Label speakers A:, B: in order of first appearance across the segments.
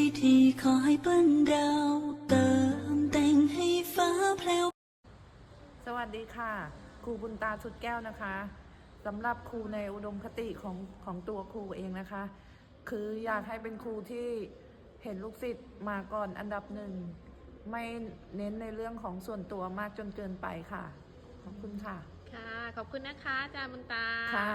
A: ทีขอให้เปิ้ลดาวเติมแต่งให้ฟ้าแพลว
B: สวัสดีค่ะครูบุญตาสุดแก้วนะคะสำหรับครูในอุดมคติของตัวครูเองนะคะคืออยากให้เป็นครูที่เห็นลูกศิษย์มาก่อนอันดับหนึ่งไม่เน้นในเรื่องของส่วนตัวมากจนเกินไปค่ะขอบคุณค่ะ
C: ค่ะขอบคุณนะคะอาจารย์บุญตา
B: ค่ะ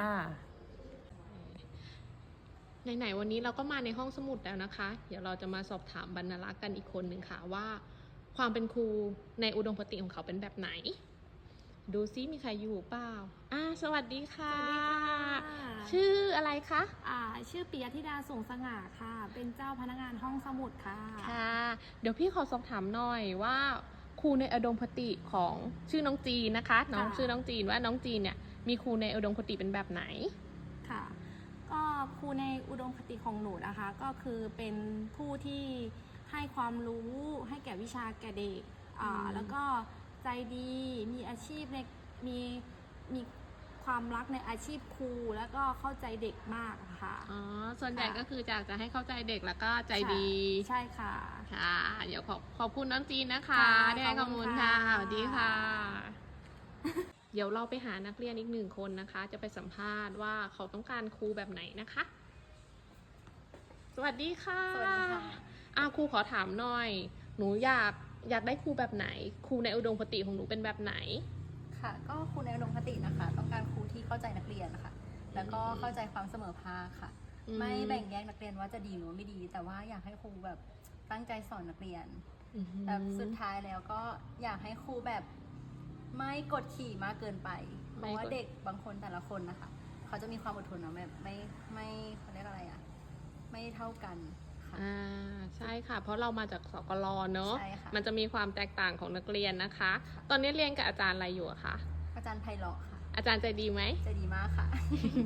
C: ไหนๆวันนี้เราก็มาในห้องสมุดแล้วนะคะเดี๋ยวเราจะมาสอบถามบรรณารักษ์กันอีกคนหนึ่งค่ะว่าความเป็นครูในอุดมคติของเขาเป็นแบบไหนดูซิมีใครอยู่เปล่าสวัสดีค่ะ
D: สวัสดีค่ะ
C: ชื่ออะไรคะ
D: ชื่อปิยธิดาสูงสง่าค่ะเป็นเจ้าพนักงานห้องสมุดค่ะ
C: ค่ะเดี๋ยวพี่ขอสอบถามหน่อยว่าครูในอุดมคติของชื่อน้องจีนนะคะน้องชื่อน้องจีนว่าน้องจีนเนี่ยมีครูในอุดมคติเป็นแบบไหน
D: ค่ะก็ครูในอุดมคติของหนูนะคะก็คือเป็นผู้ที่ให้ความรู้ให้แก่วิชาแก่เด็กแล้วก็ใจดีมีอาชีพในมีความรักในอาชีพครูแล้วก็เข้าใจเด็กมากค่ะ
C: ส่วนใหญ่ก็คืออยากจะให้เข้าใจเด็กแล้วก็ใจดี
D: ใช่ค่ะ
C: ค่ะเดี๋ยวขอบคุณน้องจีนนะคะได้ข้อมูลค่ะสวัสดีค่ะเดี๋ยวเราไปหานักเรียนอีก1 คนนะคะจะไปสัมภาษณ์ว่าเขาต้องการครูแบบไหนนะคะสวัสดีค่ะ
D: สวัสดีค่ะ
C: ครูขอถามหน่อยหนูอยากได้ครูแบบไหนครูในอุดมคติของหนูเป็นแบบไหน
E: ค่ะก็ครูในอุดมคตินะคะต้องการครูที่เข้าใจนักเรียนนะคะแล้วก็เข้าใจความเสมอภาคค่ะไม่แบ่งแยกนักเรียนว่าจะดีหรือไม่ดีแต่ว่าอยากให้ครูแบบตั้งใจสอนนักเรียนแต่สุดท้ายแล้วก็อยากให้ครูแบบไม่กดขี่มากเกินไปเพราะว่าเด็กบางคนแต่ละคนนะคะเขาจะมีความอดทนนะแบบไม่เขาเรียกอะไรอะไม่เท่ากัน
C: ใช่ค่ะเพราะเรามาจากสกลเนอะ
E: ค่ะ
C: มันจะมีความแตกต่างของนักเรียนนะคะ ตอนนี้เรียนกับอาจารย์อะไรอยู่คะ
E: อาจารย์ไพเราะค่ะ
C: อาจารย์ใจดีไหม
E: ใจดีมากค่ะ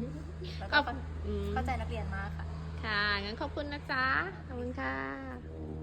E: แล้วก็เข้าใจนักเรียนมากค่ะ
C: ค่ะงั้นขอบคุณนะจ๊ะขอบคุณค่ะ